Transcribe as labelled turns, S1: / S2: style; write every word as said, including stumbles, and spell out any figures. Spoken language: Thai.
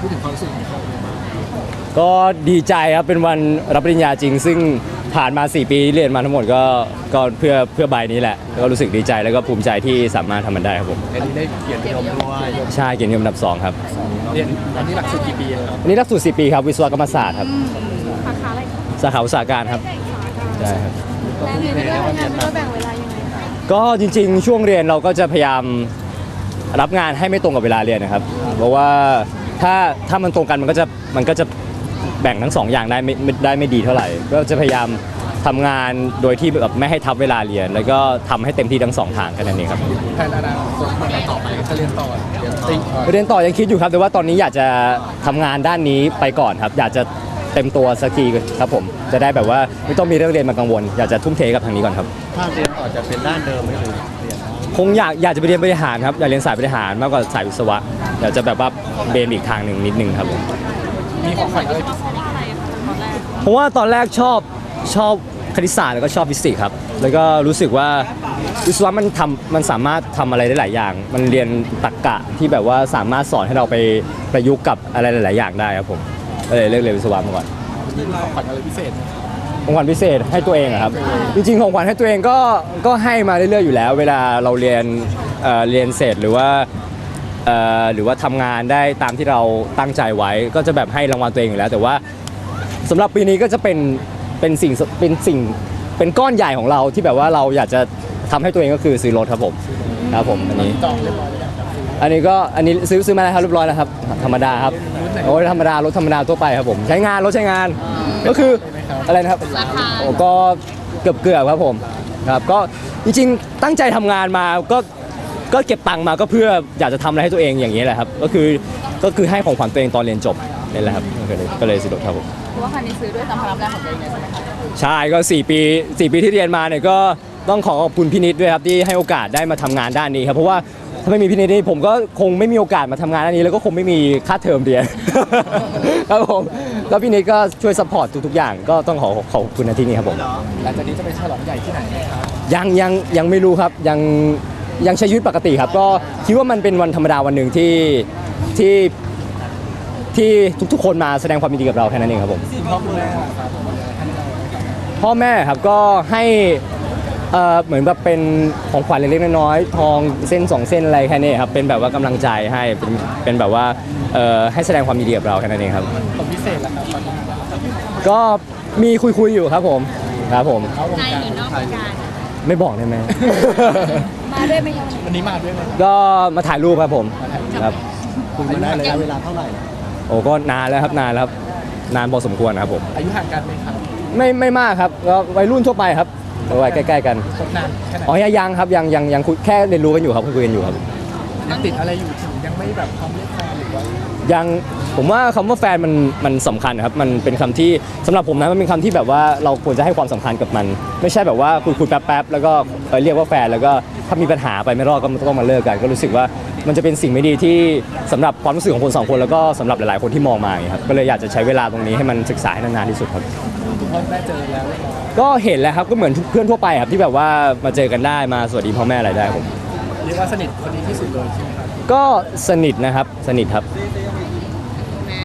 S1: พูดถึงความรู้สึกของเขาเลยบ้าง
S2: ก็ดีใจครับเป็นวันรับปริญญาจริงซึ่งผ่านมาสี่ปีเรียนมาทั้งหมดก็ก็เพื่อเพื่อใบนี้แหละก็รู้สึกดีใจแล้วก็ภูมิใจที่สามารถทำมันได้ครับผม
S1: อันนี้ได้เกียรตินิยมด้วย
S2: ใช่เกียรตินิยมอันดับสองครับ
S1: เรียนอันนี้หลักสูตรกี่ปีครับ
S2: อันนี้หลักสูตรสี่ปีครับวิศวกรรมศาสตร์ครับ
S3: สาขาอะไร
S2: สาขาอุตสาหการครับใช่ครับ
S3: แล้วเรียนด้วยงานด้วยแบ่งเวลายังไง
S2: ก็จริงๆช่วงเรียนเราก็จะพยายามรับงานให้ไม่ตรงกับเวลาเรียนนะครับเพราะว่าถ้าถ้ามันตรงกันมันก็จะมันก็จะแบ่งทั้งสองอย่างได้ไม่ได้ไม่ดีเท่าไหร่ก็จะพยายามทำงานโดยที่แบบไม่ให้ทับเวลาเรียนแล้วก็ทำให้เต็มที่ทั้งสองทางกันนั่นเองครับ
S1: แทนอนาคตต่อไปจะเรียนต่อเรียนติ
S2: เรียนต่อยังคิดอยู่ครับแต่ว่าตอนนี้อยากจะทำงานด้านนี้ไปก่อนครับอยากจะเต็มตัวสักทีครับผมจะได้แบบว่าไม่ต้องมีเรื่องเรียนมากังวลอยากจะทุ่มเทกับทางนี้ก่อนครับ
S1: ถ้าเรียนต่อจะเป็นด้านเดิมไหมหรือเรียน
S2: คงอยากอยากจะไปเรียนบริหารครับอยากเรียนสายบริหารมากกว่าสายวิศวะอยากจะแบบว่าเบนอีกทางหนึ่งนิดนึงครับผม
S1: มีของขวัญอะไร
S2: เพราะว่าตอนแรกชอบชอบคณิตศาสตร์แล้วก็ชอบฟิสิกส์ครับแล้วก็รู้สึกว่าวิศวะมันทำมันสามารถทำอะไรได้หลายอย่างมันเรียนตรรกะที่แบบว่าสามารถสอนให้เราไปประยุกต์กับอะไรหลายๆอย่างได้ครับผมก็เลยเลือกเรียนวิศวะมาก่อน
S1: มีของขวัญอะไรพิเศษ
S2: ของขวัญพิเศษให้ตัวเองครับจริงๆของขวัญให้ตัวเองก็ก็ให้มาเรื่อยๆอยู่แล้วเวลาเราเรียนเอ่อเรียนเสร็จหรือว่าเอ่อหรือว่าทำงานได้ตามที่เราตั้งใจไว้ก็จะแบบให้รางวัลตัวเองอยู่แล้วแต่ว่าสำหรับปีนี้ก็จะเป็นเป็นสิ่งเป็นสิ่งเป็นก้อนใหญ่ของเราที่แบบว่าเราอยากจะทำให้ตัวเองก็คือซื้อรถครับผมครับผมอันนี้
S1: จองเรียบร้อยแล้ว
S2: อันนี้ก็อันนี้ซื้อซื้อมาแล้วครับเรียบร้อยแล้วครับธรรมดาครับโอ้ยธรรมดารถธรรมดาทั่วไปครับผมใช้งานรถใช้งานก็คืออะไรนะครับโอ้ก็เกือบเกือบครับผมครับก็จริงๆตั้งใจทำงานมาก็ก็เก็บตังค์มาก็เพื่ออยากจะทำอะไรให้ตัวเองอย่างนี้แหละครับก็คือก็คือให้ของขวัญตัวเองตอนเรียนจบนี่แหละครับก็เลยก็เลยซื้อรถครับผม
S3: เพราะว่าคันนี้ซื้อด้วยตามพลังงานของตัวเองใช่ไหมคะ
S2: ใช่ก็สี่ปีสี่ปีที่เรียนมาเนี่ยก็ต้องขอขอบคุณพี่นิดด้วยครับที่ให้โอกาสได้มาทำงานด้านนี้ครับเพราะว่าถ้าไม่มีพี่นิดนี่ผมก็คงไม่มีโอกาสมาทำงานด้านนี้แล้วก็คงไม่มีค่าเทอมเรียนครับผมแล้วพี่นิดก็ช่วยซัพพอร์ตทุกๆอย่างก็ต้องขอขอบคุณในที่นี้ครับผม
S1: หลังจากนี้จะไปฉลองใหญ่ที่ไหนครับ
S2: ยังยังยังไม่รู้ครับยังยังใช้ชีวิตปกติครับก็คิดว่ามันเป็นวันธรรมดาวันหนึ่งที่ที่ที่ทุกๆคนมาแสดงความยินดีกับเราแค่นั้นเองครับผม
S1: พ่อคุณแม่ครับ
S2: พ่อแม่ครับก็ให้เอ่อเหมือนแบบเป็นของขวัญเล็กๆน้อยๆทองเส้นสองเส้นอะไรแค่นี้ครับเป็นแบบว่ากำลังใจให้เป็นเป็นแบบว่าเอ่อให้แสดงความยินดีกับเราแค่นั้นเองครับ
S1: ของพิเศษแล้วครับ
S2: ก็มีคุยๆอยู่ครับผมครับผม
S3: ในหรือนอกวงการ
S2: ไม่บอกได้ไหม
S3: มาด้วยไหมครับ
S1: วันนี้มาด้วยไหม
S2: ก็มาถ่ายรูปครับผมครับ
S1: คุยมาได้ระยะเวลาเท่าไหร่
S2: โอ้ก็นานแล้วครับนานแล้วครับนานพอสมควรครับผม
S1: อายุห่างกันไหมครับ
S2: ไม่ไม่มากครับก็วัยรุ่นทั่วไปครับวัยใกล้ๆกัน
S1: นานแค่ไหน
S2: อ๋อยังครับยังยังยังคุยแค่เรียนรู้กันอยู่ครับคุยกันอยู่ครับ
S1: ยังติดอะไรอยู่ถึงยังไม่แบบพร้อมเรียกแฟนหรือว่า
S2: ยังผมว่าคำว่าแฟนมันมันสำคัญครับมันเป็นคำที่สำหรับผมนะมันเป็นคำที่แบบว่าเราควรจะให้ความสำคัญกับมันไม่ใช่แบบว่าคุยคุยแป๊บๆแล้วก็เรียกว่าแฟนแล้วก็ถ้ามีปัญหาไปไม่รอดก็ต้องมาเลิกกันก็รู้สึกว่ามันจะเป็นสิ่งไม่ดีที่สำหรับความรู้สึกของคนสองคนแล้วก็สำหรับหลายๆคนที่มองมาอย่างนี้ครับก็เลยอยากจะใช้เวลาตรงนี้ให้มันศึกษาให้นานๆที่สุดครับ
S1: พ่อแม่เจอแล้ว
S2: ก็เห็นแล้วครับก็เหมือนเพื่อนทั่วไปครับที่แบบว่ามาเจอกันได้มาสวัสดีพ่อแม่อะไรได้ผม
S1: เรียกว่าสนิทคนนี้ที่สุดเลยใช่ไหมครับ
S2: ก็สนิทนะครับสนิทครับ